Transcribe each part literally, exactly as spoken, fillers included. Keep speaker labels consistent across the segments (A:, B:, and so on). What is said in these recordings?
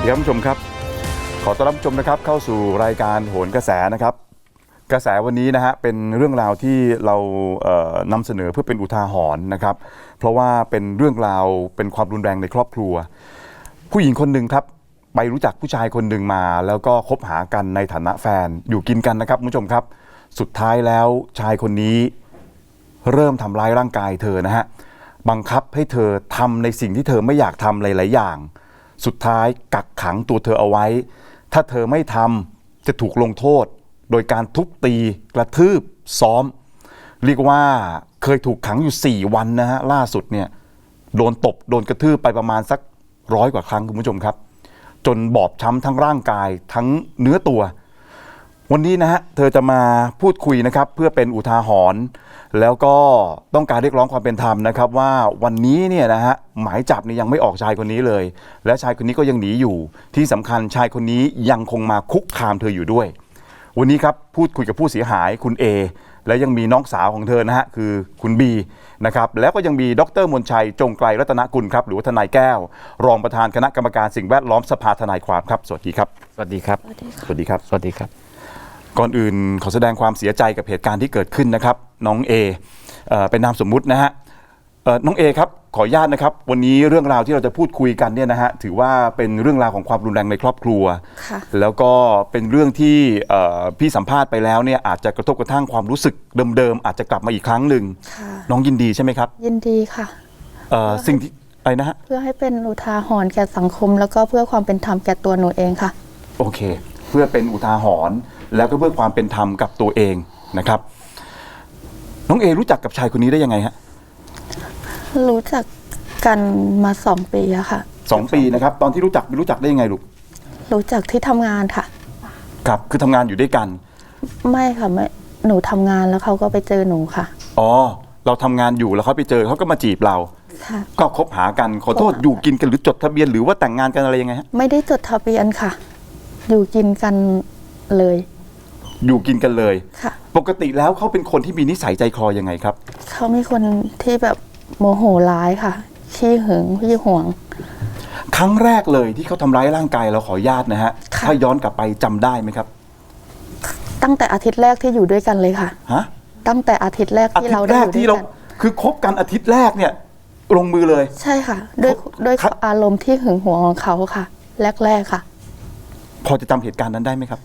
A: วัสดีครับผู้ชมครับขอต้อนรับผู้ชมนะครับเข้าสู่รายการโหนกระแสนะครับกระแสวันนี้นะฮะเป็นเรื่องราวที่เราเอ่อนำเสนอเพื่อเป็นอุทาหรณ์นะครับเพราะว่าเป็นเรื่องราวเป็นความรุนแรงในครอบครัวผู้หญิงคนหนึ่งครับไปรู้จักผู้ชายคนหนึ่งมาแล้วก็คบหากันในฐานะแฟนอยู่กินกันนะครับผู้ชมครับสุดท้ายแล้วชายคนนี้เริ่มทำร้ายร่างกายเธอนะฮะบังคับให้เธอทำในสิ่งที่เธอไม่อยากทำหลายๆอย่างสุดท้ายกักขังตัวเธอเอาไว้ถ้าเธอไม่ทำจะถูกลงโทษโดยการทุบตีกระทืบซ้อมเรียกว่าเคยถูกขังอยู่สี่วันนะฮะล่าสุดเนี่ยโดนตบโดนกระทืบไปประมาณสักร้อยกว่าครั้งคุณผู้ชมครับจนบอบช้ำทั้งร่างกายทั้งเนื้อตัววันนี้นะฮะเธอจะมาพูดคุยนะครับเพื่อเป็นอุทาหรณ์แล้วก็ต้องการเรียกร้องความเป็นธรรมนะครับว่าวันนี้เนี่ยนะฮะหมายจับนี่ยังไม่ออกชายคนนี้เลยและชายคนนี้ก็ยังหนีอยู่ที่สำคัญชายคนนี้ยังคงมาคุกคามเธออยู่ด้วยวันนี้ครับพูดคุยกับผู้เสียหายคุณเอและยังมีน้องสาวของเธอนะฮะคือคุณบีนะครับแล้วก็ยังมีดร.มนชัยจงไกลรัตนกุลครับหรือว่าทนายแก้วรองประธานคณะกรรมการสิ่งแวดล้อมสภาทนายความครับสวัสดีครับสวัสดีครับสวัสดีครับสวัสดีครับก่อนอื่นขอแสดงความเสียใจกับเหตุการณ์ที่เกิดขึ้นนะครับน้องเอเอ่อเป็นนามสมมุตินะฮะเอ่อน้องเอครับขออนุญาตนะครับวันนี้เรื่องราวที่เราจะพูดคุยกันเนี่ยนะฮะถือว่าเป็นเรื่องราวของความรุนแรงในครอบครัวแล้วก็เป็นเรื่องที่เอ่อพี่สัมภาษณ์ไปแล้วเนี่ยอาจจะกระทบกระทั่งความรู้สึกเดิมๆอาจจะกลับมาอีกครั้งหนึ่งน้องยินดีใช่ไหมครับยินดีค่ะเอ่อสิ่งที่อะไรนะฮะเพื่อให้เป็นอุทาหรณ์แก่สังคมแล้วก็เพื่อความเป็นธรรมแก่ตัวหนูเองค่ะโอเคเพื่อเป็นอุทาหรณ์แล้วก็เพื่อความเป็นธรรมกับตัวเองนะครับน้องเอรู้จักกับชายคนนี้ได้ยังไงฮะรู้จักกันมาสองปีอะค่ะสองปีนะครับตอนที่รู้จักรู้จักได้ยังไงลูกรู้จักที่ทำงานค่ะครับคือทำงานอยู่ด้วยกันไม่ค่ะไม่หนูทำงานแล้วเขาก็ไปเจอหนูค่ะอ๋อเราทำงานอยู่แล้วเขาไปเจอเขาก็มาจีบเราค่ะก็คบหากันขอโทษอยู่กินกันหรือจดทะเบียนหรือว่าแต่งงานกันอะไรยังไงฮะไม่ได้จดทะเบียนค่ะอยู่กินกันเลยอยู่กินกันเลยค่ะปกติแล้วเขาเป็นคนที่มีนิสัยใจคอยังไงครับเขามีคนที่แบบโมโหร้ายค่ะขี้หึงขี้หวงครั้งแรกเลยที่เขาทำร้ายร่างกายเราขออนุญาตนะฮะถ้าย้อนกลับไปจำได้ไหมครับตั้งแต่อาทิตย์แรกที่อยู่ด้วยกันเลยค่ะฮะตั้งแต่อาทิตย์แรกที่เราได้อยู่ด้วยกันคือคบกันอาทิตย์แรกเนี่ยลงมือเลยใช่ค่ะด้วยด้วยอารมณ์ที่หึงหวงของเขาค่ะแรกๆค่ะพอจะจำเหตุการณ์นั้นได้ไหมครับ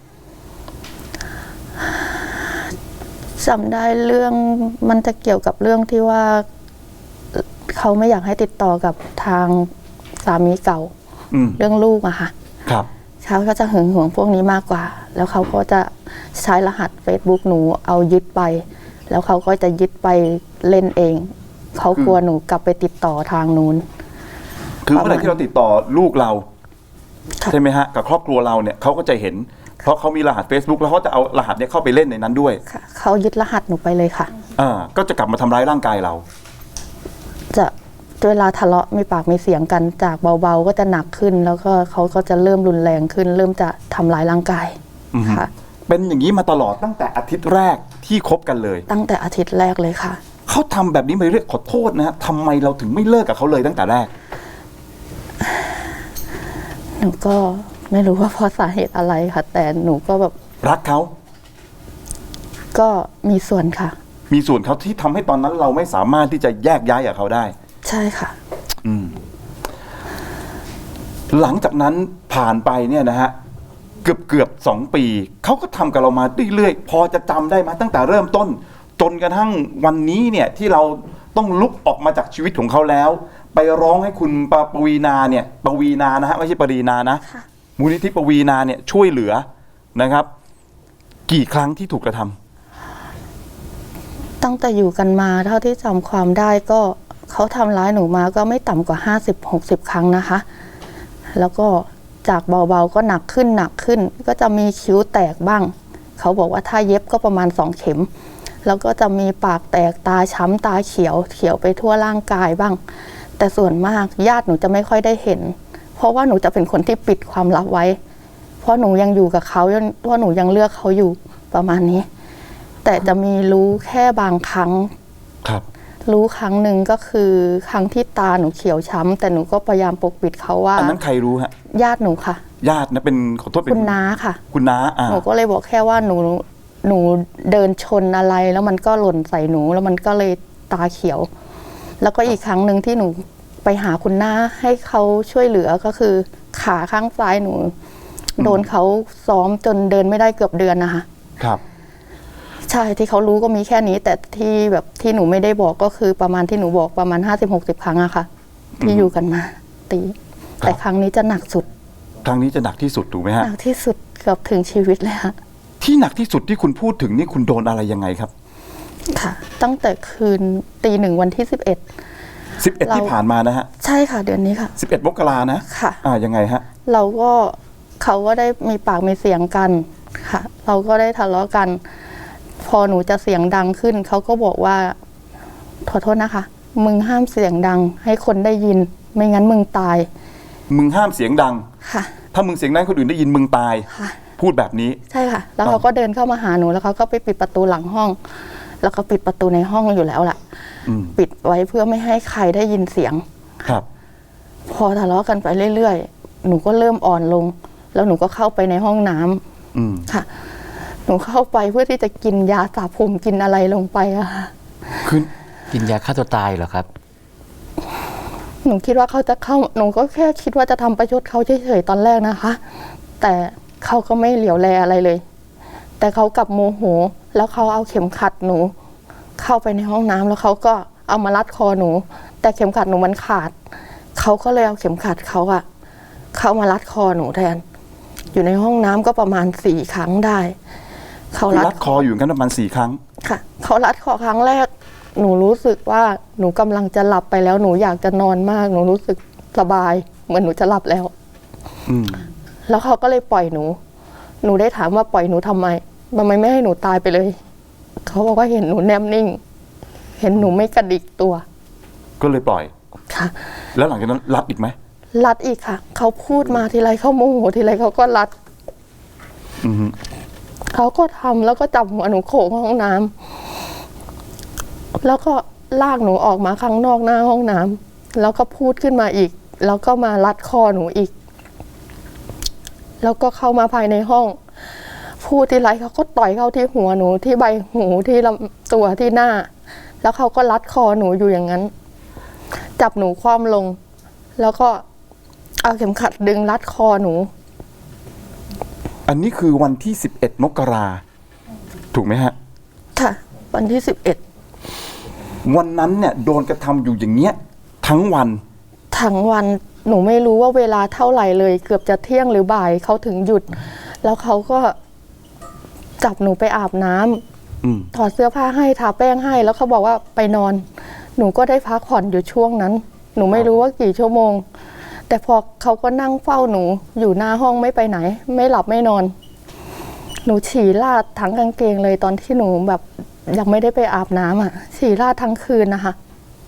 A: จำได้เรื่องมันจะเกี่ยวกับเรื่องที่ว่าเขาไม่อยากให้ติดต่อกับทางสามีเก่าเรื่องลูกอะค่ะครับเขาก็จะหึงหวงพวกนี้มากกว่าแล้วเขาก็จะใช้รหัส Facebook หนูเอายึดไปแล้วเขาก็จะยึดไปเล่นเองเขากลัวหนูกลับไปติดต่อทางนู้นคือเมื่อไหร่ที่เราติดต่อลูกเราใช่ไหมฮะกับครอบครัวเราเนี่ยเขาก็จะเห็นเพราะเขามีรหัส Facebook แล้วเขาจะเอารหัสเนี้ยเข้าไปเล่นในนั้นด้วยค่ะเขายึดรหัสหนูไปเลยค่ะอ่าก็จะกลับมาทำร้ายร่างกายเราจะเวลาทะเลาะมีปากมีเสียงกันจากเบาๆก็จะหนักขึ้นแล้วก็เขาก็จะเริ่มรุนแรงขึ้นเริ่มจะทำร้ายร่างกายค่ะเป็นอย่างนี้มาตลอดตั้งแต่อาทิตย์แรกที่คบกันเลยตั้งแต่อาทิตย์แรกเลยค่ะเขาทำแบบนี้มาเรื่อยขอโทษนะฮะทำไมเราถึงไม่เลิกกับเขาเลยตั้งแต่แรกหนูก็ไม่รู้ว่าเพราะสาเหตุอะไรค่ะแต่หนูก็แบบรักเขาก็มีส่วนค่ะมีส่วนเขาที่ทำให้ตอนนั้นเราไม่สามารถที่จะแยกย้ายกับเขาได้ใช่ค่ะอืมหลังจากนั้นผ่านไปเนี่ยนะฮะเกือบเกือบสองปีเขาก็ทำกับเรามาเรื่อยๆพอจะจำได้ไหมตั้งแต่เริ่มต้นจนกระทั่งวันนี้เนี่ยที่เราต้องลุกออกมาจากชีวิตของเขาแล้วไปร้องให้คุณปวีนาเนี่ยปวีนานะฮะไม่ใช่ปรีนานะมูลนิธิปวีนาเนี่ยช่วยเหลือนะครับกี่ครั้งที่ถูกกระทำตั้งแต่อยู่กันมาเท่าที่จำความได้ก็เขาทำร้ายหนูมาก็ไม่ต่ำกว่าห้าสิบหกสิบครั้งนะคะแล้วก็จากเบาๆก็หนักขึ้นหนักขึ้นก็จะมีคิ้วแตกบ้างเขาบอกว่าถ้าเย็บก็ประมาณสองเข็มแล้วก็จะมีปากแตกตาช้ำตาเขียวเขียวไปทั่วร่างกายบ้างแต่ส่วนมากญาติหนูจะไม่ค่อยได้เห็นเพราะว่าหนูจะเป็นคนที่ปิดความลับไว้เพราะหนูยังอยู่กับเขาเพราะหนูยังเลือกเขาอยู่ประมาณนี้แต่จะมีรู้แค่บางครั้งครับรู้ครั้งหนึ่งก็คือครั้งที่ตาหนูเขียวช้ำแต่หนูก็พยายามปกปิดเขาว่าอันนั้นใครรู้ฮะญาติหนูค่ะญาตินะเป็นขอโทษเป็น
B: คุณน้าค่ะ
A: คุณน้าอ่า
B: หนูก็เลยบอกแค่ว่าหนูหนูเดินชนอะไรแล้วมันก็หล่นใส่หนูแล้วมันก็เลยตาเขียว แล้วก็อีกครั้งหนึ่งที่หนูไปหาคุณน้าให้เขาช่วยเหลือก็คือขาข้างซ้ายหนู โดนเขาซ้อมจนเดินไม่ได้เกือบเดือนนะคะ
A: ครับ
B: ใช่ที่เขารู้ก็มีแค่นี้ แต่ที่แบบที่หนูไม่ได้บอกก็คือประมาณที่หนูบอกประมาณห้าสิบหกสิบครั้งอะค่ะ ที่อยู่กันมาตีแต่ครั้งนี้จะหนักสุด
A: ครั้งนี้จะหนักที่สุดถูกไหมฮะ
B: หนักที่สุดเกือบถึงชีวิตเลยค่ะ
A: ที่หนักที่สุดที่คุณพูดถึงนี่คุณโดนอะไรยังไงครับ
B: ค่ะ ตั้งแต่คืนตีหนึ่งวันที่สิบเอ็ด
A: สิบเอ็ด
B: เรา
A: ที่ผ่านมานะฮะ
B: ใช่ค่ะ เดือนนี้ค่ะ
A: สิบเอ็ดมกรานะ
B: ค่ะ
A: อ่ายังไงฮะ
B: เราก็เขาก็ได้มีปากมีเสียงกันค่ะ เราก็ได้ทะเลาะกัน พอหนูจะเสียงดังขึ้นเขาก็บอกว่าขอโทษนะคะ มึงห้ามเสียงดังให้คนได้ยิน ไม่งั้นมึงตาย
A: มึงห้ามเสียงดัง
B: ค่ะ
A: ถ้ามึงเสียงดังคนอื่นได้ยินมึงตาย
B: ค่ะ
A: พูดแบบนี้
B: ใช่ค่ะ แล้วเขาก็เดินเข้ามาหาหนูแล้วเขาก็ไปปิดประตูหลังห้อง แล้วก็ปิดประตูในห้องอยู่แล้วแหละ
A: อืม
B: ปิดไว้เพื่อไม่ให้ใครได้ยินเสียง
A: ครับ
B: พอทะเลาะกันไปเรื่อยๆ หนูก็เริ่มอ่อนลง แล้วหนูก็เข้าไปในห้องน้ำ
A: อืม
B: ค่ะ หนูเข้าไปเพื่อที่จะกินยาสระผมกินอะไรลงไปอะค่ะ
A: คือ
C: กินยาฆ่าตัวตายเหรอครับ
B: หนูคิดว่าเขาจะเข้า หนูก็แค่คิดว่าจะทำประชดเขาเฉยๆตอนแรกนะคะ แต่เขาก็ไม่เหลียวแลอะไรเลย แต่เขากลับโมโห แล้วเขาเอาเข็มขัดหนู เข้าไปในห้องน้ำแล้วเขาก็เอามารัดคอหนู แต่เข็มขัดหนูมันขาด เขาก็เลยเอาเข็มขัดเขาอะเข้ามารัดคอหนูแทน อยู่ในห้องน้ำก็ประมาณสี่ครั้งได้ เขา
A: คือ
B: รั
A: รัดคออยู่กันประมาณสี่ครั้ง
B: ค่ะเขารัดคอครั้งแรก หนูรู้สึกว่าหนูกำลังจะหลับไปแล้ว หนูอยากจะนอนมาก หนูรู้สึกสบาย เหมือนหนูจะหลับแล้ว
A: อืม
B: แล้วเขาก็เลยปล่อยหนู หนูได้ถามว่าปล่อยหนูทำไมทำไมไม่ให้หนูตายไปเลย เขาบอกว่าเห็นหนูแนบนิ่ง เห็นหนูไม่กระดิกตัว
A: ก็เลยปล่อย
B: ค่ะ
A: แล้วหลังจากนั้นรัดอีกไหม
B: รัดอีกค่ะ เขาพูดมาทีไรเขาโมโหทีไรเขาก็รัด
A: อืม
B: เขาก็ทำแล้วก็จับหัวหนูโขกห้องน้ำแล้วก็ลากหนูออกมาข้างนอกหน้าห้องน้ำแล้วก็พูดขึ้นมาอีก แล้วก็มารัดคอหนูอีก แล้วก็เข้ามาภายในห้อง พูดทีไรเขาก็ต่อยเข้าที่หัวหนูที่ใบหูที่ลำตัวที่หน้า แล้วเขาก็รัดคอหนูอยู่อย่างนั้น จับหนูคว่ำลง แล้วก็เอาเข็มขัดดึงรัดคอหนู
A: อันนี้คือวันที่สิบเอ็ดมกราถูกไหมฮะ
B: ค่ะ วันที่สิบเอ็ด
A: วันนั้นเนี่ยโดนกระทำอยู่อย่างเงี้ย ทั้งวัน
B: ทั้งวันหนูไม่รู้ว่าเวลาเท่าไหร่เลย เกือบจะเที่ยงหรือบ่ายเขาถึงหยุด แล้วเขาก็จับหนูไปอาบน้ำ
A: อืม
B: ถอดเสื้อผ้าให้ทาแป้งให้ แล้วเขาบอกว่าไปนอน หนูก็ได้พักผ่อนอยู่ช่วงนั้น หนูไม่รู้ว่ากี่ชั่วโมง แต่พอเขาก็นั่งเฝ้าหนูอยู่หน้าห้องไม่ไปไหน ไม่หลับไม่นอน หนูฉี่ราดทั้งกางเกงเลยตอนที่หนูแบบยังไม่ได้ไปอาบน้ำอ่ะ ฉี่ราดทั้งคืนนะคะ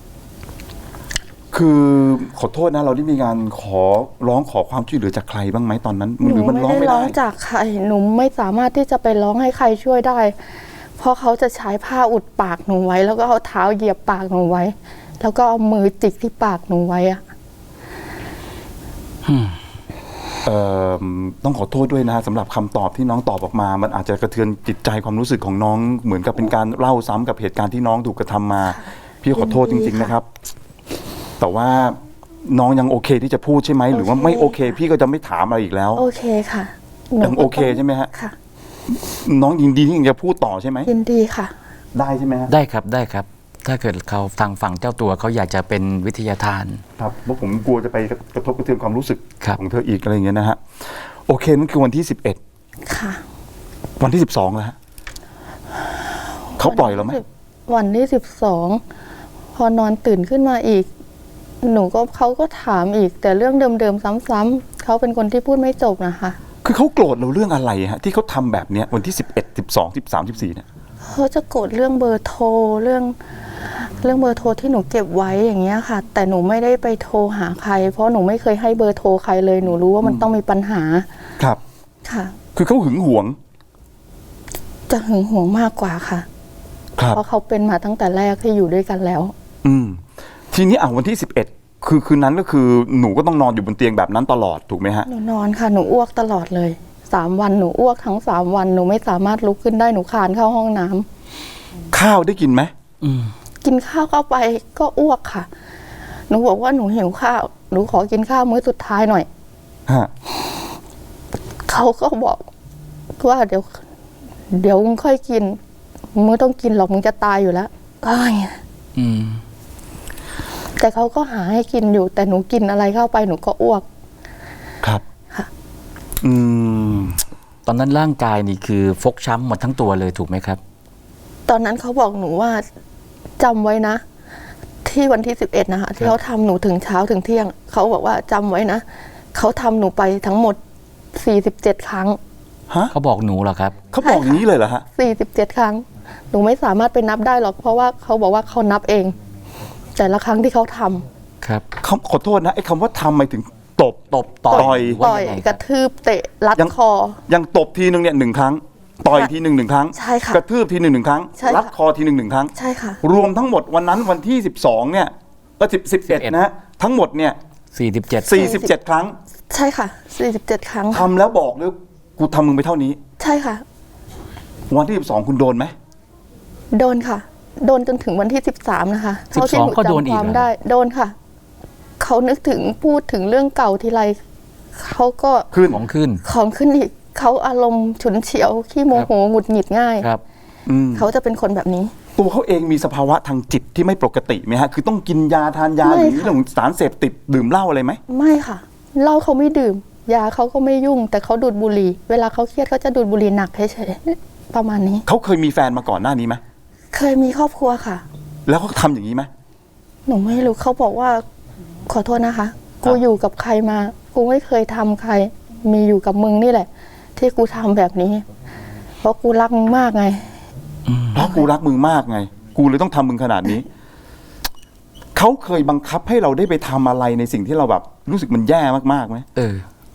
A: คือขอโทษนะเราได้มีการขอร้องขอความช่วยเหลือจากใครบ้างไหมตอนนั้น
B: ห
A: หรือ
B: นู
A: มัน
B: ไม่
A: ร้อง
B: ได้
A: ไม่
B: ร้อ
A: ได้
B: งจากใคร หนูไม่สามารถที่จะไปร้องให้ใครช่วยได้ เพราะเขาจะใช้ผ้าอุดปากหนูไว้ แล้วก็เอาเท้าเหยียบปากหนูไว้ แล้วก็เอามือจิกที่ปากหนูไว้อะ
A: เอ่อต้องขอโทษด้วยนะฮะสำหรับคำตอบที่น้องตอบออกมา มันอาจจะกระเทือนจิตใจความรู้สึกของน้องเหมือนกับเป็นการเล่าซ้ำกับเหตุการณ์ที่น้องถูกกระทำมา พี่ขอโทษจริง ๆนะครับ แต่ว่าน้องยังโอเคที่จะพูดใช่ไหมหรือว่าไม่โอเค พี่ก็จะไม่ถามอะไรอีกแล้ว
B: โอเคค่ะหนู
A: ยังโอเคใช่ไหมฮะ
B: ค่ะ
A: น้องยินดีที่ยังจะพูดต่อใช่ไหม
B: ยินดีค่ะ
A: ได้ใช่ไหมฮะ
C: ได้ครับได้ครับ ถ้าเกิดเขาทางฝั่งเจ้าตัวเขาอยากจะเป็นวิทยาทาน
A: ครับเพราะผมกลัวจะไปกระทบกระเทือนความรู้สึก
C: ครับ
A: ของเธออีกอะไรอย่างเงี้ยนะฮะโอเคนั่นคือวันที่สิบเอ็ด
B: ค่ะ
A: วันที่สิบสองแล้วฮะเขาปล่อยเราไหม
B: วันที่สิบสองพอนอนตื่นขึ้นมาอีก หนูก็เขาก็ถามอีก แต่เรื่องเดิมๆซ้ำๆเขาเป็นคนที่พูดไม่จบนะคะ
A: คือเขาโกรธเราเรื่องอะไรฮะที่เขาทำแบบเนี้ยวันที่สิบเอ็ดสิบสองสิบสามสิบสี่เนี่ย
B: เขาจะโกรธเรื่องเบอร์โทรเรื่อง เรื่องเบอร์โทรที่หนูเก็บไว้อย่างเงี้ยค่ะ แต่หนูไม่ได้ไปโทรหาใคร เพราะหนูไม่เคยให้เบอร์โทรใครเลยหนูรู้ว่ามันต้องมีปัญหา
A: ครับ
B: ค่ะ
A: คือเขาหึงหวง
B: จะหึงหวงมากกว่าค่ะ
A: ครับ
B: เพราะเขาเป็นมาตั้งแต่แรกที่อยู่ด้วยกันแล้ว
A: อืมทีนี้อ่ะวันที่สิบเอ็ดคือคืนนั้นก็คือหนูก็ต้องนอนอยู่บนเตียงแบบนั้นตลอดถูกไหมฮะ
B: หนูนอนค่ะหนูอ้วกตลอดเลยสามวันหนูอ้วกทั้งสามวันหนูไม่สามารถลุกขึ้นได้หนูคลานเข้าห้องน้ำ
A: ข้าวได้กินไหม
C: อืม
B: กินข้าวเข้าไปก็อ้วกค่ะ หนูบอกว่าหนูหิวข้าวหนูขอกินข้าวมื้อสุดท้ายหน่อย
A: ฮะ
B: เขาก็บอกว่าเดี๋ยว เดี๋ยวมึงค่อยกินมึงไม่ต้องกินหรอกมึงจะตายอยู่แล้วก็อย่างเงี้ย
C: อืม
B: แต่เขาก็หาให้กินอยู่ แต่หนูกินอะไรเข้าไปหนูก็อ้วก
A: ครับ
B: ค่ะ
A: อืม
C: ตอนนั้นร่างกายนี่คือฟกช้ำหมดทั้งตัวเลยถูกไหมครับ
B: ตอนนั้นเขาบอกหนูว่าจำไว้นะ ที่วันที่สิบเอ็ดนะคะที่เขาทำหนูถึงเช้าถึงเที่ยงเขาบอกว่าจำไว้นะเขาทำหนูไปทั้งหมดสี่สิบเจ็ดครั้ง
A: ฮะ
C: เขาบอกหนูเหรอครับ
A: เขาบอกอย่างนี้เลยเหรอฮะ
B: สี่สิบเจ็ดครั้ง หนูไม่สามารถไปนับได้หรอก เพราะว่าเขาบอกว่าเขานับเอง แต่ละครั้งที่เขาทำ
C: ครับ
A: เขาขอโทษนะไอ้คำว่าทำหมายถึงตบ
C: ตบต่อย
A: ต่อย
C: ว่า
B: ต่อย
C: งไง
B: กระทืบเตะรัด
A: ยัง
B: คอ
A: ยังตบทีหนึ่งเนี่ยหนึ่งครั้ง ต่อยทีหนึ่งหนึ่งครั้ง
B: ใช่ค่ะ
A: กระทืบทีหนึ่งหนึ่งครั้ง
B: ใช่ค่ะ
A: รัดคอทีหนึ่งหนึ่งครั้ง
B: ใช่ค่ะ
A: รวมทั้งหมดวันนั้นวันที่สิบสองเนี่ยก็สิบสิบเอ็ดนะฮะทั้งหมดเนี่ย
C: สี่สิบเจ็ด
A: สี่สิบเจ็ดครั้ง
B: ใช่ค่ะสี่สิบเจ็ดครั้ง
A: ทำแล้วบอกเลยกูทำมึงไปเท่านี้
B: ใช่ค่ะ
A: วันที่สิบสองคุณโดนไหม
B: โดนค่ะ โดนจนถึงวันที่สิบสามนะคะ
C: สิบสองก็โดนอีก
B: ความ
C: เหรอ
B: ได้ โดนค่ะ เขานึกถึงพูดถึงเรื่องเก่าทีไรเขาก็
A: ขึ้น
C: ของขึ้น
B: ของขึ้นอีก เขาอารมณ์ฉุนเฉียวขี้โมโหหงุดหงิดง่าย
C: ครับ
A: อืม
B: เขาจะเป็นคนแบบนี้
A: ตัวเขาเองมีสภาวะทางจิตที่ไม่ปกติไหมฮะ คือต้องกินยาทานยา
B: ไม่
A: หรือ
B: ค่ะ
A: เรื่องของสารเสพติดดื่มเหล้าอะไรไหม
B: ไม่ค่ะเหล้าเขาไม่ดื่ม ยาเขาก็ไม่ยุ่ง แต่เขาดูดบุหรี่ เวลาเขาเครียดเขาจะดูดบุหรี่หนักเฉยๆประมาณนี้
A: เขาเคยมีแฟนมาก่อนหน้านี้ไหม
B: เคยมีครอบครัวค่ะ
A: แล้วเขาทำอย่างนี้ไหม
B: หนูไม่รู้เขาบอกว่า ขอโทษนะคะ กูอยู่กับใครมา กูไม่เคยทำใคร มีอยู่กับมึงนี่แหละ ที่กูทำแบบนี้ เพราะกูรักมึงมากไง
A: เพราะกูรักมึงมากไง กูเลยต้องทำมึงขนาดนี้ เขาเคยบังคับให้เราได้ไปทำอะไรในสิ่งที่เราแบบ รู้สึกมันแย่มากๆไหม
C: เออ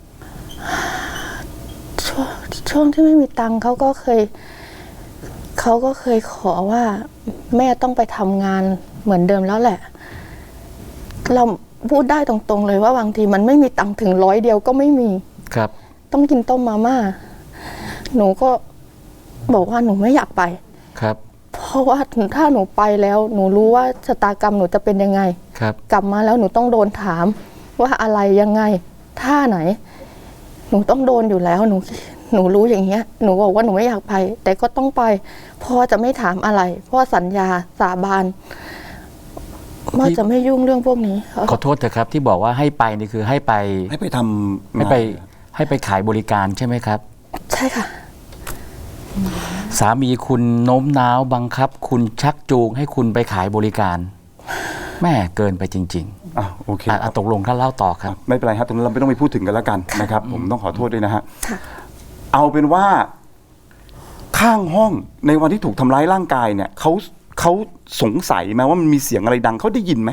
B: ช่วงช่วงที่ไม่มีตังค์เขาก็เคย เขาก็เคยขอว่า แม่ต้องไปทำงานเหมือนเดิมแล้วแหละ เราพูดได้ตรงๆเลยว่าบางทีมันไม่มีตังค์ถึงร้อยเดียวก็ไม่มี
C: ครับ
B: ต้องกินต้มมาม่า หนูก็บอกว่าหนูไม่อยากไป
C: ครับ
B: เพราะว่าถ้าหนูไปแล้ว หนูรู้ว่าชะตากรรมหนูจะเป็นยังไง
C: ครับ
B: กลับมาแล้วหนูต้องโดนถาม ว่าอะไรยังไง ท่าไหน หนูต้องโดนอยู่แล้ว หนู หนูรู้อย่างเงี้ย หนูบอกว่าหนูไม่อยากไป แต่ก็ต้องไปพ่อจะไม่ถามอะไรพ่อสัญญาสาบานว่าจะไม่ยุ่งเรื่องพวกนี้
C: ขอโทษเถอะครับที่บอกว่าให้ไปนี่คือให้ไป
A: ให้ไปทำ
C: ให้ไปให้ไปขายบริการใช่ไหมครับ
B: ใช่ค่ะ
C: สามีคุณโน้มน้าวบังคับ คุณชักจูงให้คุณไปขายบริการ แม่เกินไปจริง
A: อ่ะโอเค
C: ๆอ่ะอ่ะตกลงถ้าเล่าต่อครับ
A: ไม่เป็นไรครับตรงนั้นเราไม่ต้องไปพูดถึงกันแล้วกันนะครับ ผมต้องขอโทษด้วยนะฮะ
B: ค่ะ
A: เอาเป็นว่าข้างห้องในวันที่ถูกทำร้ายร่างกายเนี่ยเขาเขาสงสัยไหมว่ามันมีเสียงอะไรดังเขาได้ยินไหม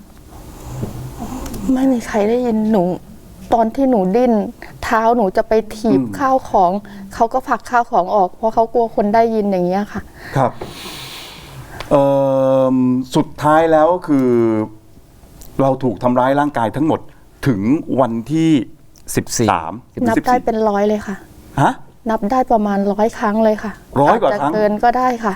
B: ไม่มีใครได้ยินหนู ตอนที่หนูดิ้นเท้าหนูจะไปถีบข้าวของ เขาก็ผลักข้าวของออก เพราะเขากลัวคนได้ยินอย่างเงี้ยค่ะ
A: ครับเอ่อสุดท้ายแล้วคือ เราถูกทำร้ายร่างกายทั้งหมดถึงวันที่สิบสาม
B: นับได้เป็นร้อยเลยค่ะ
A: ฮะ
B: นับได้ประมาณร้อยครั้งเลยค่ะ
A: ร้อยกว่าครั้ง
B: จจะเกินก็ได้ค่ะ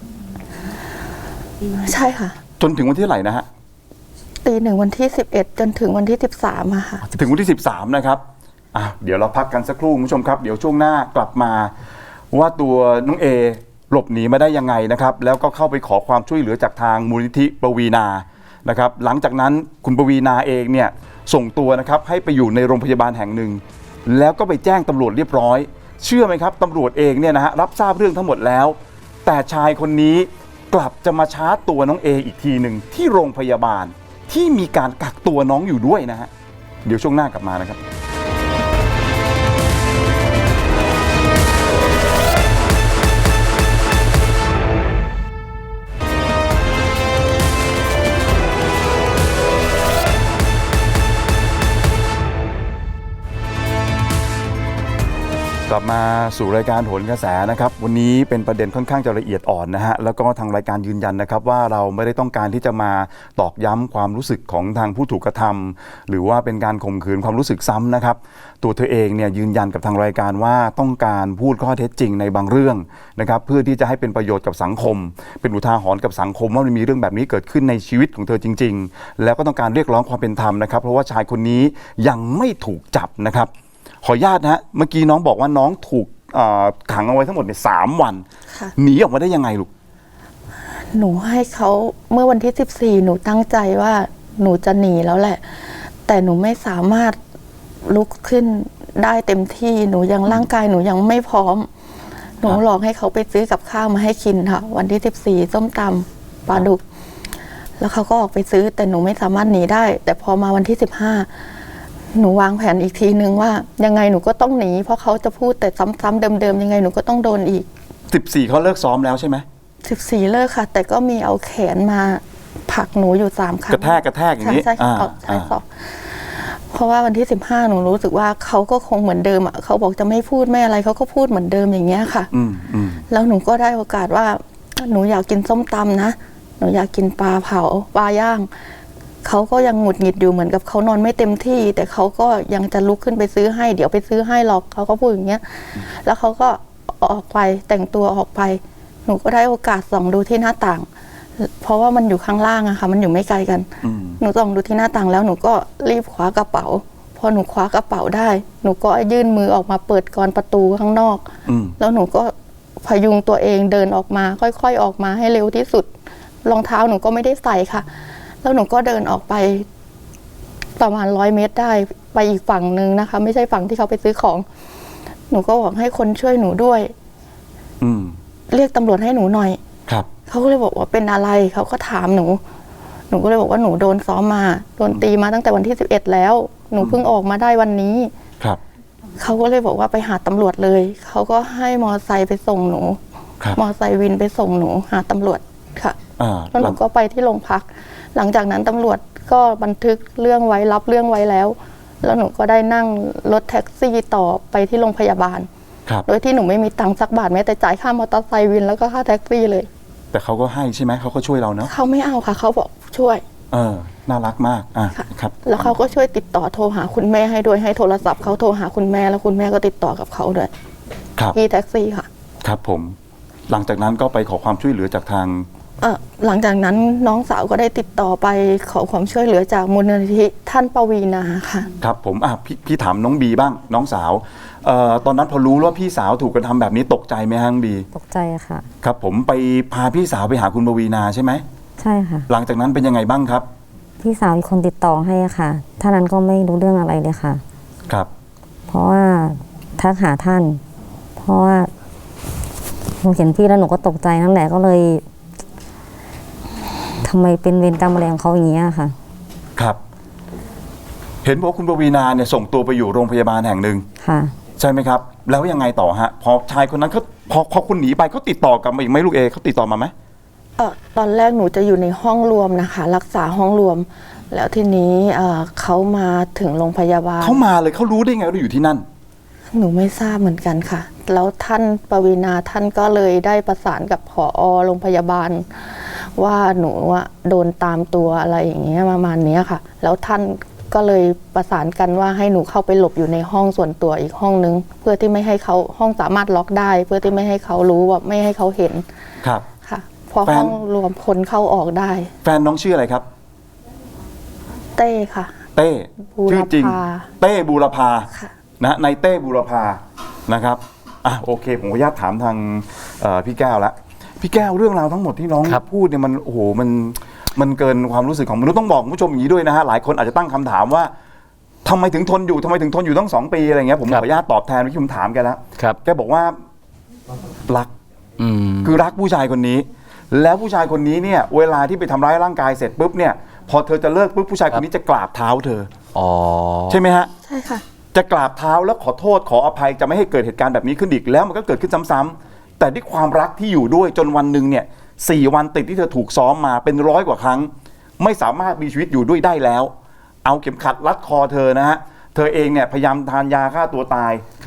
B: ใช่ค่ะ
A: จนถึงวันที่เท่าไหร่นะฮะ
B: ตีหนึ่งวันที่สิบเอ็ดจนถึงวันที่สิบสามอะค่ะ
A: ถึงวันที่สิบสามนะครับอ่ะเดี๋ยวเราพักกันสักครู่คุณผู้ชมครับ เดี๋ยวช่วงหน้ากลับมา ว่าตัวน้องเอหลบหนีมาได้ยังไงนะครับ แล้วก็เข้าไปขอความช่วยเหลือจากทางมูลนิธิปวีนานะครับ หลังจากนั้นคุณปวีนาเองเนี่ยส่งตัวนะครับให้ไปอยู่ในโรงพยาบาลแห่งหนึ่ง แล้วก็ไปแจ้งตำรวจเรียบร้อย เชื่อไหมครับตำรวจเองเนี่ยนะฮะรับทราบเรื่องทั้งหมดแล้ว แต่ชายคนนี้กลับจะมาชาร์จตัวน้องเออีกทีหนึ่งที่โรงพยาบาลที่มีการกักตัวน้องอยู่ด้วยนะฮะเดี๋ยวช่วงหน้ากลับมานะครับ กลับลับมาสู่รายการโหนกระแสนะครับวันนี้เป็นประเด็นค่อนข้างจะละเอียดอ่อนนะฮะแล้วก็ทางรายการยืนยันนะครับว่าเราไม่ได้ต้องการที่จะมาตอกย้ำความรู้สึกของทางผู้ถูกกระทำหรือว่าเป็นการข่มขืนความรู้สึกซ้ำนะครับตัวเธอเองเนี่ยยืนยันกับทางรายการว่าต้องการพูดข้อเท็จจริงในบางเรื่องนะครับเพื่อที่จะให้เป็นประโยชน์กับสังคมเป็นอุทาหรณ์กับสังคมว่ามันมีเรื่องแบบนี้เกิดขึ้นในชีวิตของเธอจริงๆแล้วก็ต้องการเรียกร้องความเป็นธรรมนะครับเพราะว่าชายคนนี้ยังไม่ถูกจับนะครับขออนุญาตนะฮะเมื่อกี้น้องบอกว่าน้องถูกขังเอาไว้ทั้งหมดเนี่ยสามวันหนีออกมาได้ยังไงลูก
B: หนูให้เขาเมื่อวันที่สิบสี่หนูตั้งใจว่าหนูจะหนีแล้วแหละแต่หนูไม่สามารถลุกขึ้นได้เต็มที่หนูยังร่างกายหนูยังไม่พร้อมหนูหลอกให้เขาไปซื้อกับข้าวมาให้กินค่ะวันที่สิบสี่ส้มตำปลาดุกแล้วเขาก็ออกไปซื้อแต่หนูไม่สามารถหนีได้แต่พอมาวันที่สิบห้าหนูวางแผนอีกทีนึงว่ายังไงหนูก็ต้องหนีเพราะเขาจะพูดแต่ซ้ำๆเดิมๆยังไงหนูก็ต้องโดนอีก
A: สิบสี่เขาเลิกซ้อมแล้วใช่ไหม
B: สิบสี่เลิกค่ะแต่ก็มีเอาแขนมาผลักหนูอยู่สามครั้ง
A: กระแทกกระแทกอย่างนี้
B: ใช่ใช่ใช่สอบเพราะว่าวันที่สิบห้าหนูรู้สึกว่าเขาก็คงเหมือนเดิมอ่ะเขาบอกจะไม่พูดไม่อะไรเขาก็พูดเหมือนเดิมอย่างเงี้ยค่ะ
A: อืมอืม
B: แล้วหนูก็ได้โอกาสว่าหนูอยากกินส้มตำนะหนูอยากกินปลาเผาปลาย่างเขาก็ยังหงุดหงิดอยู่เหมือนกับเขานอนไม่เต็มที่แต่เขาก็ยังจะลุกขึ้นไปซื้อให้เดี๋ยวไปซื้อให้หรอกเขาก็พูดอย่างเงี้ยแล้วเขาก็ออกไปแต่งตัวออกไปหนูก็ได้โอกาสส่องดูที่หน้าต่างเพราะว่ามันอยู่ข้างล่างอะค่ะมันอยู่ไม่ไกลกันหนูส่องดูที่หน้าต่างแล้วหนูก็รีบคว้ากระเป๋าพอหนูคว้ากระเป๋าได้หนูก็ยื่นมือออกมาเปิดกรประตูข้างนอกแล้วหนูก็พยุงตัวเองเดินออกมาค่อยๆออกมาให้เร็วที่สุดรองเท้าหนูก็ไม่ได้ใส่ค่ะแล้วหนูก็เดินออกไปประมาณร้อยเมตรได้ไปอีกฝั่งนึงนะคะไม่ใช่ฝั่งที่เขาไปซื้อของหนูก็บอกให้คนช่วยหนูด้วย
A: อืม
B: เรียกตำรวจให้หนูหน่อย
A: ครับ
B: เขาก็เลยบอกว่าเป็นอะไรเขาก็ถามหนูหนูก็เลยบอกว่าหนูโดนซ้อมมาโดนตีมาตั้งแต่วันที่สิบเอ็ดแล้วหนูเพิ่งออกมาได้วันนี้
A: ครับ
B: เขาก็เลยบอกว่าไปหาตำรวจเลยเขาก็ให้มอไซค์ไปส่งหนูมอไซค์วินไปส่งหนูหาตำรวจค่ะแล้วหนูก็ไปที่โรงพักหลังจากนั้นตำรวจก็บันทึกเรื่องไว้รับเรื่องไว้แล้วแล้วหนูก็ได้นั่งรถแท็กซี่ต่อไปที่โรงพยาบาลโดยที่หนูไม่มีตังค์สักบาทแม้แต่จ่ายค่ามอเตอร์ไซค์วินแล้วก็ค่าแท็กซี่เลย
A: แต่เขาก็ให้ใช่ไหมเขาก็ช่วยเราเนาะ
B: เขาไม่เอาค่ะเขาบอกช่วย
A: เออน่ารักมากอ่ะครับ
B: แล้วเขาก็ช่วยติดต่อโทรหาคุณแม่ให้ด้วยให้โทรศัพท์เขาโทรหาคุณแม่แล้วคุณแม่ก็ติดต่อกับเขาด้วย
A: ครับ
B: ที่แท็กซี่ค่ะ
A: ครับผมหลังจากนั้นก็ไปขอความช่วยเหลือจากทาง
B: เออหลังจากนั้นน้องสาวก็ได้ติดต่อไปขอความช่วยเหลือจากมูลนิธิท่านปวีณาค่ะ
A: ครับผมอ่ะพี่พี่ถามน้องบีบ้างน้องสาวเอ่อตอนนั้นพอรู้ว่าพี่สาวถูกกระทำแบบนี้ตกใจไหมฮะน้องบี
D: ตกใจค่ะ
A: ครับผมไปพาพี่สาวไปหาคุณปวีณาใช่ไหม
D: ใช่ค่ะ
A: หลังจากนั้นเป็นยังไงบ้างครับ
D: พี่สาวอีกคนติดต่อให้ค่ะท่านนั้นก็ไม่รู้เรื่องอะไรเลยค่ะ
A: ครับ
D: เพราะว่าทักหาท่านเพราะว่าหนูเห็นพี่แล้วหนูก็ตกใจนั่นแหละก็เลยทำไมเป็นเวรกรรมอะไรของเขาอย่างเงี้ยค่ะ
A: ครับเห็นบอกคุณปวีณาเนี่ยส่งตัวไปอยู่โรงพยาบาลแห่งหนึ่ง
D: ค่ะ
A: ใช่ไหมครับแล้วยังไงต่อฮะพอชายคนนั้นเขาพอพอคุณหนีไปเขาติดต่อกลับมาอีกไหมลูกเอเขาติดต่อมาไหม
B: เออตอนแรกหนูจะอยู่ในห้องรวมนะคะรักษาห้องรวมแล้วทีนี้เออเขามาถึงโรงพยาบาล
A: เขามาเลยเขารู้ได้ไงว่าเราอยู่ที่นั่น
B: หนูไม่ทราบเหมือนกันค่ะแล้วท่านปวีณาท่านก็เลยได้ประสานกับผอ.โรงพยาบาลว่าหนูว่าโดนตามตัวอะไรอย่างเงี้ยประมาณนี้ค่ะแล้วท่านก็เลยประสานกันว่าให้หนูเข้าไปหลบอยู่ในห้องส่วนตัวอีกห้องนึงเพื่อที่ไม่ให้เขาห้องสามารถล็อกได้เพื่อที่ไม่ให้เขารู้ว่าไม่ให้เขาเห็น
A: ครับ
B: ค่ะพอห้องรวมคนเข้าออกได้
A: แฟนน้องชื่ออะไรครับ
B: เต้ค่ะ
A: เต้ชื่อจริงเต้บูรพานะในเต้บูรพานะครับอ่ะโอเคผมขออนุญาตถามทางพี่แก้วละพี่แก้วเรื่องราวทั้งหมดที่น้องพูดเนี่ยมันโอ้โหมันมันเกินความรู้สึกของมนุษย์ต้องบอกคุณผู้ชมอย่างนี้ด้วยนะฮะหลายคนอาจจะตั้งคำถามว่าทำไมถึงทนอยู่ทำไมถึงทนอยู่ตั้งสองปีอะไรเงี้ยผมขออนุญาตตอบแทนที่ผมถามแกแล้วแกบอกว่ารักคือรักผู้ชายคนนี้แล้วผู้ชายคนนี้เนี่ยเวลาที่ไปทำร้ายร่างกายเสร็จปุ๊บเนี่ยพอเธอจะเลิกปุ๊บผู้ชายคนนี้จะกราบเท้าเธอ
C: อ๋อ
A: ใช่ไหมฮะ
B: ใช่ค่ะ
A: จะกราบเท้าแล้วขอโทษขออภัยจะไม่ให้เกิดเหตุการณ์แบบนี้ขึ้นอีกแล้วมันก็เกิดขึ้นซ้ำๆแต่ด้วยความรักที่อยู่ด้วยจนวันหนึ่งเนี่ยสี่วันติดที่เธอถูกซ้อมมาเป็นร้อยกว่าครั้งไม่สามารถมีชีวิตอยู่ด้วยได้แล้วเอาเข็มขัดรัดคอเธอนะฮะเธอเองเนี่ยพยายามทานยาฆ่าตัวตาย
C: ครับ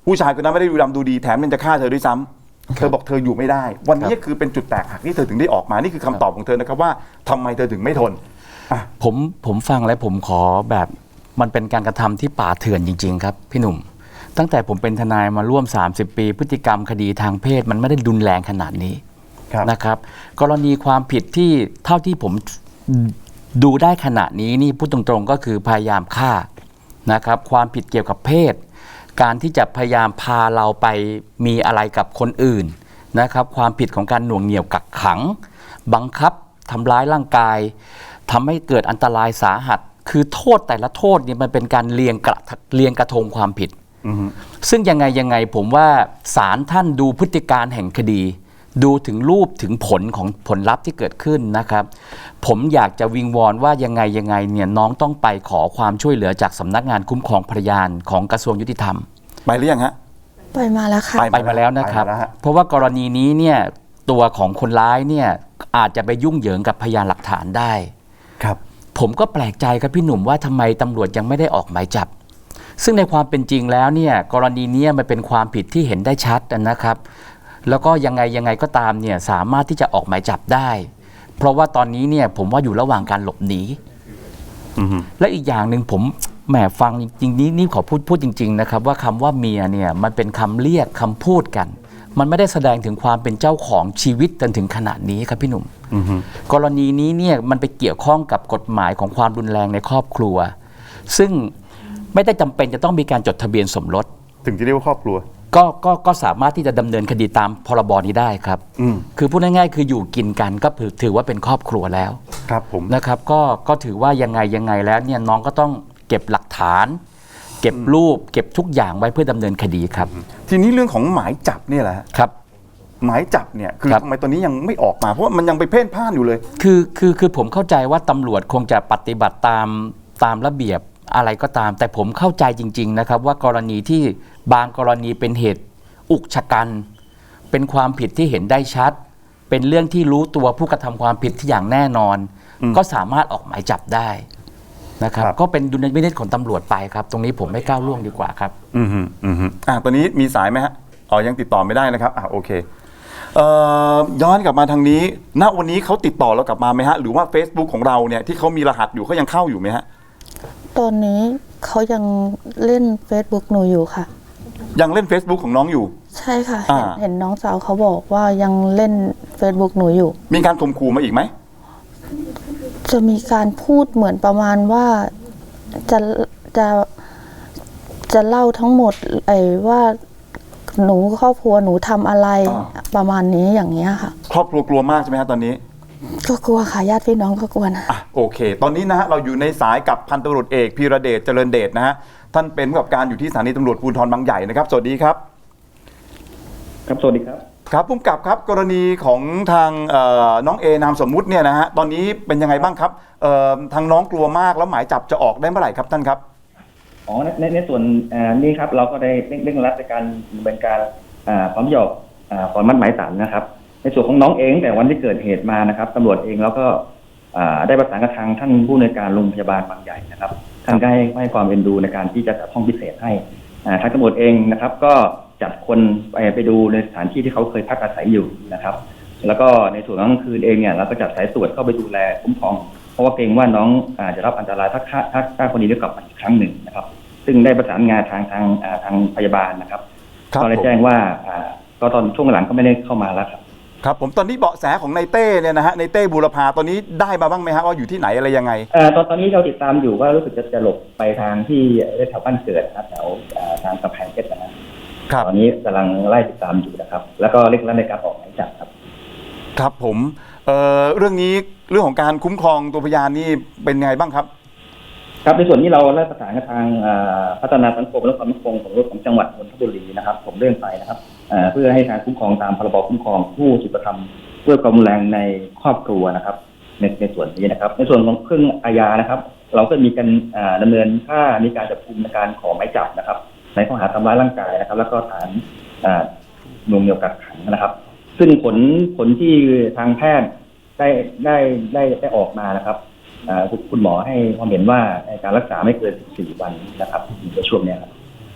A: ผู้ชายคนนั้นไม่ได้ดูดำดูดีแถมยังจะฆ่าเธอด้วยซ้ำเธอบอกเธออยู่ไม่ได้ วันนี้คือเป็นจุดแตกหักที่เธอถึงได้ออกมานี่คือคำตอบของเธอนะครับว่าทำไมเธอถึงไม่ทนอ่ะ
C: ผมผมฟังแล้วผมขอแบบมันเป็นการกระทำที่ป่าเถื่อนจริงๆครับพี่หนุ่มตั้งแต่ผมเป็นทนายมาร่วมสามสิบปีพฤติกรรมคดีทางเพศมันไม่ได้รุนแรงขนาดนี้
A: ครับ
C: นะครับกรณีความผิดที่เท่าที่ผมดูได้ขณะนี้นี่พูดตรงๆก็คือพยายามฆ่านะครับความผิดเกี่ยวกับเพศ การที่จะพยายามพาเราไปมีอะไรกับคนอื่นนะครับความผิดของการหน่วงเหนี่ยวกักขังบังคับทำร้ายร่างกายทำให้เกิดอันตรายสาหัสคือโทษแต่ละโทษนี่มันเป็นการเรียงกระเรียงกระทงความผิด
A: อือฮึ
C: ซึ่งยังไงยังไงผมว่าศาลท่านดูพฤติการแห่งคดี ดูถึงรูปถึงผลของผลลัพธ์ที่เกิดขึ้นนะครับผมอยากจะวิงวอนว่ายังไงยังไงเนี่ยน้องต้องไปขอความช่วยเหลือจากสำนักงานคุ้มครองพยานของกระทรวงยุติธรรม
A: ไปหรือยังฮะ
B: ไปมาแล้วค่ะ
C: ไปมาแล้วนะครับ
A: ไปมาแล้วฮะ
C: เพราะว่ากรณีนี้เนี่ยตัวของคนร้ายเนี่ยอาจจะไปยุ่งเหยิงกับพยานหลักฐานได้
A: ครับ
C: ผมก็แปลกใจครับพี่หนุ่มว่าทำไมตำรวจยังไม่ได้ออกหมายจับ ซึ่งในความเป็นจริงแล้วเนี่ยกรณีนี้มันเป็นความผิดที่เห็นได้ชัดนะครับ แล้วก็ยังไงยังไงก็ตามเนี่ยสามารถที่จะออกหมายจับได้ เพราะว่าตอนนี้เนี่ยผมว่าอยู่ระหว่างการหลบหนี
A: อือฮึ
C: และอีกอย่างหนึ่งผมแหมฟังจริงๆนี้นี่ขอพูดพูดจริงๆนะครับว่าคำว่าเมียเนี่ยมันเป็นคำเรียกคำพูดกัน มันไม่ได้แสดงถึงความเป็นเจ้าของชีวิตจนถึงขนาดนี้ครับพี่หนุ่ม
A: อือฮึ
C: กรณีนี้เนี่ยมันไปเกี่ยวข้องกับกฎหมายของความรุนแรงในครอบครัว ซึ่งไม่ได้จำเป็นจะต้องมีการจดทะเบียนสมรส
A: ถึงจะเรียกว่าครอบครัว
C: ก็ก็ก็สามารถที่จะดำเนินคดีตามพรบนี้ได้ครับ
A: อืม
C: คือพูดง่ายๆคืออยู่กินกันก็ถือว่าเป็นครอบครัวแล้ว
A: ครับผม
C: นะครับก็ก็ถือว่ายังไงยังไงแล้วเนี่ยน้องก็ต้องเก็บหลักฐาน เก็บรูป เก็บทุกอย่างไว้เพื่อดำเนินคดีครับ
A: ทีนี้เรื่องของหมายจับเนี่ยแหละฮะ
C: ครับ
A: หมายจับเนี่ยคือ
C: ครับ
A: ทำไมตอนนี้ยังไม่ออกมาเพราะว่ามันยังไปเพ่นพ่านอยู่เลย
C: คือคือคือผมเข้าใจว่าตำรวจคงจะปฏิบัติตามตามระเบียบอะไรก็ตาม แต่ผมเข้าใจจริงๆนะครับว่ากรณีที่บางกรณีเป็นเหตุอุกชะกัน เป็นความผิดที่เห็นได้ชัด เป็นเรื่องที่รู้ตัวผู้กระทำความผิดที่อย่างแน่นอน
A: อืม
C: ก็สามารถออกหมายจับได้นะครับ
A: ครับ
C: ก็เป็นดุลยพินิจของตำรวจไปครับ ตรงนี้ผมไม่ก้าวล่วงดีกว่าครับ
A: อือฮึอือฮึอ่ะตอนนี้มีสายไหมฮะอ๋อยังติดต่อไม่ได้นะครับอ่ะโอเคเอ่อย้อนกลับมาทางนี้ณวันนี้เขาติดต่อเรากลับมาไหมฮะหรือว่า Facebook ของเราเนี่ยที่เขามีรหัสอยู่เขายังเข้าอยู่ไหมฮะ
B: ตอนนี้เขายังเล่น Facebook หนูอยู่ค่ะ
A: ยังเล่น Facebook ของน้องอยู่
B: ใช่ค่ะ
A: อ่า
B: เห็นเห็นน้องสาวเขาบอกว่ายังเล่น Facebook หนูอยู่
A: มีการข่มขู่มาอีกไหม
B: จะมีการพูดเหมือนประมาณว่าจะจะจะเล่าทั้งหมดไอ้ว่าหนูครอบครัวหนูทำอะไรประมาณนี้อย่างเงี้ยค่ะ
A: ครอบครัวกลัวมากใช่ไหมฮะตอนนี้
B: ก็กลัวค่ะญาติพี่น้องก็กลัวนะ
A: อ่ะโอเค ตอนนี้นะฮะเราอยู่ในสายกับพันตำรวจเอกพีระเดชเจริญเดชนะฮะท่านเป็นผู้กำกับการอยู่ที่สถานีตำรวจภูธรบางใหญ่นะครับสวัสดีครับ
E: ครับสวัสดีครับ
A: ครับผู้กำกับครับกรณีของทางเอ่อน้องเอนามสมมุติเนี่ยนะฮะตอนนี้เป็นยังไงบ้างครับเอ่อทางน้องกลัวมากแล้วหมายจับจะออกได้เมื่อไหร่ครับท่านครับ
E: อ๋อในในในส่วนอ่านี่ครับเราก็ได้เร่งเร่งรัดในการดำเนินการอ่าพร้อมหยอกอ่าขอมัดหมายสารนะครับ ในส่วนของน้องเองแต่วันที่เกิดเหตุมานะครับตำรวจเองแล้วก็อ่าได้ประสานกับทางท่านผู้อำนวยการโรงพยาบาลบางใหญ่นะครับท่านก็ให้ให้ความเอ็นดูในการที่จะจัดห้องพิเศษให้อ่าทางตำรวจเองนะครับ ก็จัดคนไปไปดูในสถานที่ที่เขาเคยพักอาศัยอยู่นะครับ แล้วก็ในส่วนของกลางคืนเองเนี่ยเราก็จัดสายตรวจเข้าไปดูแลคุ้มครองเพราะว่าเกรงว่าน้องอาจจะรับอันตรายถ้าถ้าถ้าถ้าคนนี้ได้กลับมาอีกครั้งหนึ่งนะครับ ซึ่งได้ประสานงานทางทางอ่าทางพยาบาลนะครับ
A: ครับ
E: ก็ได้
A: ผม
E: แจ้งว่าอ่าก็ตอนช่วงหลังก็ไม่ได้เข้ามาแล้วครับ
A: ครับผมตอนนี้เบาะแสของนายเต้เนี่ยนะฮะนายเต้บูรพาตอนนี้ได้มาบ้างไหมฮะว่าอยู่ที่ไหนอะไรยังไง
E: เอ่อตอนตอนนี้เราติดตามอยู่ว่ารู้สึกจะจะหลบไปทางที่แถวบ้านเกิดนะครับแถวอ่าทางกำแพงเพชรนะครับ
A: ครับ
E: ตอนนี้กำลังไล่ติดตามอยู่นะครับ แล้วก็เร่งรัดในการออกหมายจับครับ
A: ครับผมเอ่อเรื่องนี้เรื่องของการคุ้มครองตัวพยานนี่เป็นไงบ้างครับ
E: ครับในส่วนนี้เราได้ประสานกับทางอ่าพัฒนาสังคมและความมั่นคงของของจังหวัดนนทบุรีนะครับผมเรื่องไปนะครับอ่าเพื่อให้การคุ้มครองตามพรบคุ้มครองผู้ถูกกระทำด้วยความรุนแรงในครอบครัวนะครับ ในในส่วนนี้นะครับ ในส่วนของเครื่องอาญานะครับ เราก็มีการอ่าดำเนินค่ามีการจับกุมในการขอหมายจับนะครับ ในข้อหาทำร้ายร่างกายนะครับ แล้วก็ฐานอ่าหน่วงเหนี่ยวกักขังนะครับ ซึ่งผลผลที่ทางแพทย์ได้ได้ได้ได้ออกมานะครับอ่าคุณหมอให้ความเห็นว่าการรักษาไม่เกินสิบสี่วันนะครับในช่วงนี้ครับ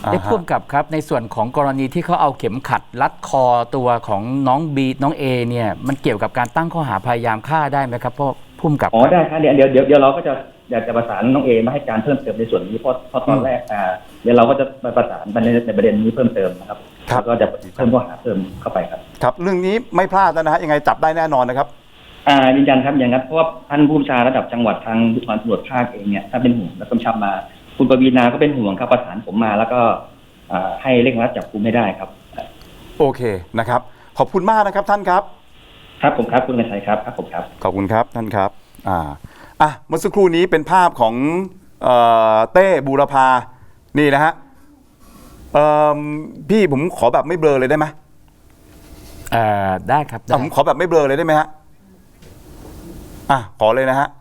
A: อ่าฮะ
C: ได้พ่วงกับครับในส่วนของกรณีที่เขาเอาเข็มขัดรัดคอตัวของน้องบีน้องเอเนี่ยมันเกี่ยวกับการตั้งข้อหาพยายามฆ่าได้ไหมครับเพราะพุ่มกับ
E: อ๋อได้ครับเดี๋ยวเดี๋ยวเดี๋ยวเดี๋ยวเราก็จะอยากจะประสานน้องเอมาให้การเพิ่มเติมในส่วนนี้เพราะเพราะตอนแรกอ่าเดี๋ยวเราก็จะประสานในในประเด็นนี้เพิ่มเติมนะครับ
A: ครับ
E: แล้วก็จะเพิ่มข้อหาเพิ่มเข้าไปครับ
A: ครับเรื่องนี้ไม่พลาดนะฮะยังไงจับได้แน่นอนนะครับ
E: อ่ายืนยันครับอย่างนั้นเพราะว่าท่านผู้บัญชาระดับจังหวัดทางภูธรตำรวจภาคเองเนี่ยถ้าเป็นห่วงและกำชับมาคุณปวีณาก็เป็นห่วงครับประสานผมมาแล้วก็อ่าให้เร่งรัดจับกุมให้ได้ครับ
A: โอเคนะครับขอบคุณมากนะครับท่านครับ
E: ครับผมครับคุณกระชัยครับครับผมครับ
A: ขอบคุณครับท่านครับอ่าอ่ะเมื่อสักครู่นี้เป็นภาพของเอ่อเต้บูรพานี่นะฮะเอ่อพี่ผมขอแบบไม่เบลอเลยได้ไหม
C: เอ่อได้ครับได้
A: อ่ะผมขอแบบไม่เบลอเลยได้ไหมฮะอ่ะขอเลยนะฮะ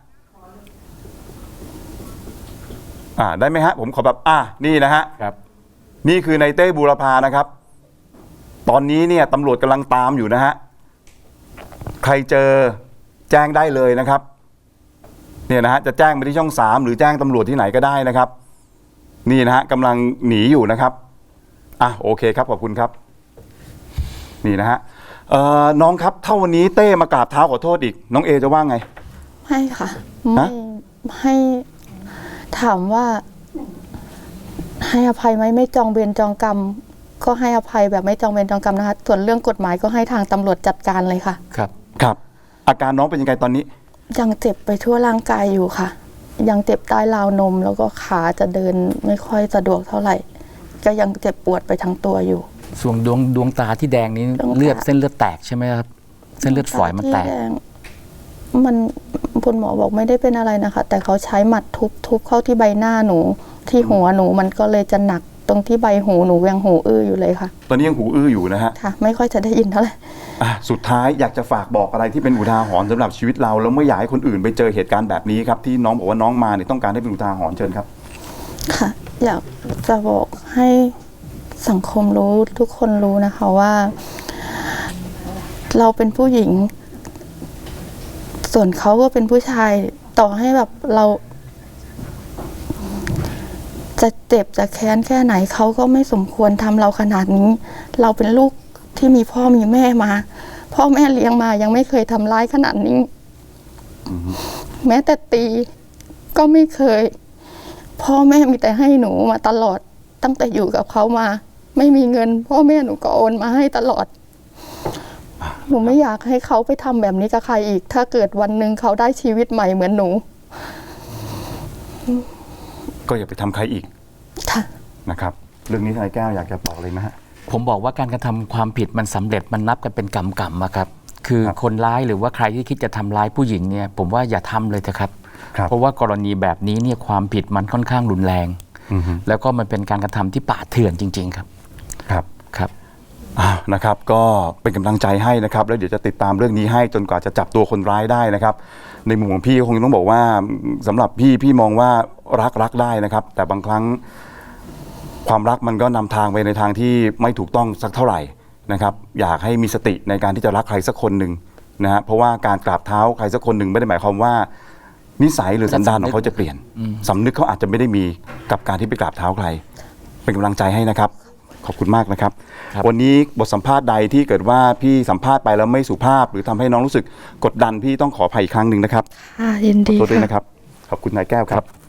A: อ่าได้ไหมฮะผมขอแบบอ่ะนี่นะฮะ
C: ครับ
A: นี่คือในเต้บูรพานะครับ ตอนนี้เนี่ยตำรวจกำลังตามอยู่นะฮะใครเจอแจ้งได้เลยนะครับเนี่ยนะฮะจะแจ้งไปที่ช่องสามหรือแจ้งตำรวจที่ไหนก็ได้นะครับ นี่นะฮะกำลังหนีอยู่นะครับอ่ะโอเคครับขอบคุณครับนี่นะฮะเอ่อน้องครับถ้าวันนี้เต้มากราบเท้าขอโทษอีกน้องเอจะว่าไง
B: ไม่ค่ะ ไม่
A: ฮะ
B: ให้ถามว่า ให้อภัยไหมไม่จองเวรจองกรรม ก็ให้อภัยแบบไม่จองเวรจองกรรมนะคะ ส่วนเรื่องกฎหมายก็ให้ทางตำรวจจัดการเลยค่ะ
C: ครับ
A: ครับอาการน้องเป็นยังไงตอนนี้
B: ยังเจ็บไปทั่วร่างกายอยู่ค่ะ ยังเจ็บใต้ราวนม แล้วก็ขาจะเดินไม่ค่อยสะดวกเท่าไหร่ ก็ยังเจ็บปวดไปทั้งตัวอยู่
C: ส่วนดวงดวงตาที่แดงนี้
B: ดวงตา
C: เลือดเส้นเลือดแตกใช่ไหมครับเส้นเลือดฝอยมันแตก
B: ที่ดงมันคุณหมอบอกไม่ได้เป็นอะไรนะคะ แต่เขาใช้หมัดทุบทุบเข้าที่ใบหน้าหนู ที่หัวหนูมันก็เลยจะหนักตรงที่ใบหูหนูยังหูอื้ออยู่เลยค่ะ
A: ตอนนี้ยังหูอื้ออยู่นะฮะ
B: ค่ะ ไม่ค่อยจะได้ยินเท่าไหร่
A: อ่ะสุดท้ายอยากจะฝากบอกอะไรที่เป็นอุทาหรณ์สำหรับชีวิตเราแล้วไม่อยากให้คนอื่นไปเจอเหตุการณ์แบบนี้ครับที่น้องบอกว่าน้องมาเนี่ยต้องการให้เป็นอุทาหรณ์เชิญครับ
B: ค่ะ อยากจะบอกให้สังคมรู้ทุกคนรู้นะคะว่า เราเป็นผู้หญิง ส่วนเขาก็เป็นผู้ชาย ต่อให้แบบเรา จะเจ็บจะแค้นแค่ไหนเขาก็ไม่สมควรทำเราขนาดนี้ เราเป็นลูกที่มีพ่อมีแม่มา พ่อแม่เลี้ยงมายังไม่เคยทำร้ายขนาดนี้ แม้แต่ตีก็ไม่เคย พ่อแม่มีแต่ให้หนูมาตลอด ตั้งแต่อยู่กับเขามา ไม่มีเงิน พ่อแม่หนูก็โอนมาให้ตลอด หนูไม่อยากให้เขาไปทำแบบนี้กับใครอีก ถ้าเกิดวันหนึ่งเขาได้ชีวิตใหม่เหมือนหนู
A: ก็อย่าไปทำใครอีก
B: ค่ะ
A: นะครับเรื่องนี้ทนายแก้วอยากจะบอกเลยไหมฮะ
C: ผมบอกว่าการกระทำความผิดมันสำเร็จมันนับกันเป็นกรรมกรรมอะครับ คือ
A: ครับ
C: คนร้ายหรือว่าใครที่คิดจะทำร้ายผู้หญิงเนี่ยผมว่าอย่าทำเลยนะครับ
A: ครับ
C: เพราะว่ากรณีแบบนี้เนี่ยความผิดมันค่อนข้างรุนแรง
A: อือฮึ
C: แล้วก็มันเป็นการกระทำที่ป่าเถื่อนจริง ๆ ครับ
A: ครับ
C: ครับ
A: อ้าวนะครับก็เป็นกำลังใจให้นะครับแล้วเดี๋ยวจะติดตามเรื่องนี้ให้จนกว่าจะจับตัวคนร้ายได้นะครับในมุมของพี่ก็คงต้องบอกว่าสำหรับพี่พี่มองว่ารักรักได้นะครับ แต่บางครั้งความรักมันก็นำทางไปในทางที่ไม่ถูกต้องสักเท่าไหร่นะครับ อยากให้มีสติในการที่จะรักใครสักคนหนึ่งนะฮะเพราะว่าการกราบเท้าใครสักคนหนึ่งไม่ได้หมายความว่า นิสัยหรือสันดานของเขาจะเปลี่ยนสำนึกเขาอาจจะไม่ได้มีกับการที่ไปกราบเท้าใคร เป็นกำลังใจให้นะครับ ขอบคุณมากนะครับ
C: ครับ
A: วันนี้บทสัมภาษณ์ใดที่เกิดว่าพี่สัมภาษณ์ไปแล้วไม่สุภาพ หรือทำให้น้องรู้สึกกดดันพี่ต้องขออภัยอีกครั้งหนึ่งนะครับ
B: ค่ะยิน
A: ขอ
B: ดี
A: โทษด้วย
B: ค่ะ
A: นะครับ ขอบคุณนายแก้วครับ